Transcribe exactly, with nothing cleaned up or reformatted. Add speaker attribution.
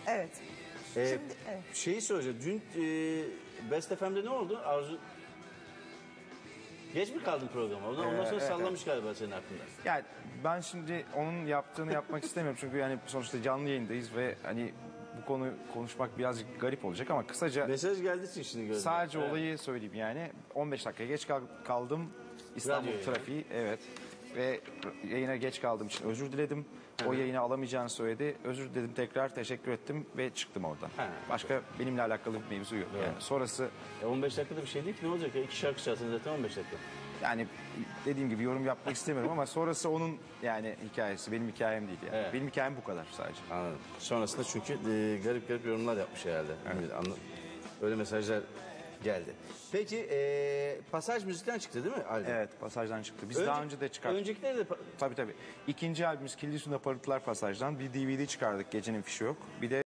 Speaker 1: Evet.
Speaker 2: Ee,
Speaker 1: Şimdi, evet.
Speaker 2: Şeyi soracağım. Dün e, Best F M'de ne oldu? Arzu... Geç mi kaldın programa? Ondan, ondan sonra
Speaker 3: evet,
Speaker 2: sallamış galiba senin aklında.
Speaker 3: Yani ben şimdi onun yaptığını yapmak istemiyorum çünkü yani sonuçta canlı yayındayız ve hani bu konu konuşmak birazcık garip olacak ama kısaca
Speaker 2: Mesaj geldiği için şimdi gördüm.
Speaker 3: sadece
Speaker 2: Evet.
Speaker 3: olayı söyleyeyim yani on beş dakika geç kal- kaldım İstanbul
Speaker 2: Radyo
Speaker 3: trafiği evet ve yayına geç kaldığım için özür diledim. O yayını alamayacağını söyledi. Özür diledim tekrar teşekkür ettim ve çıktım oradan.
Speaker 2: Ha.
Speaker 3: Başka benimle alakalı bir mevzu yok. Yani sonrası
Speaker 2: E on beş dakikada bir şey değil ki, ne olacak ya? İki şarkı çalsın zaten on beş dakika.
Speaker 3: yani dediğim gibi yorum yapmak istemiyorum ama sonrası onun yani hikayesi benim hikayem değil yani.
Speaker 2: Evet.
Speaker 3: Benim hikayem bu kadar sadece.
Speaker 2: Anladım. Sonrasında çünkü e, garip garip yorumlar yapmış herhalde. Evet. Anla- Öyle mesajlar geldi. Peki e, Pasaj Müzik'ten çıktı değil mi albüm?
Speaker 3: Evet pasajdan çıktı. Biz
Speaker 2: Önce-
Speaker 3: daha önce de çıkarttık.
Speaker 2: Öncekileri de... pa-
Speaker 3: Tabii tabii. İkinci albümümüz Kilidi Su'nda Parıltılar Pasaj'dan bir D V D çıkardık. Gecenin Fişi Yok. Bir de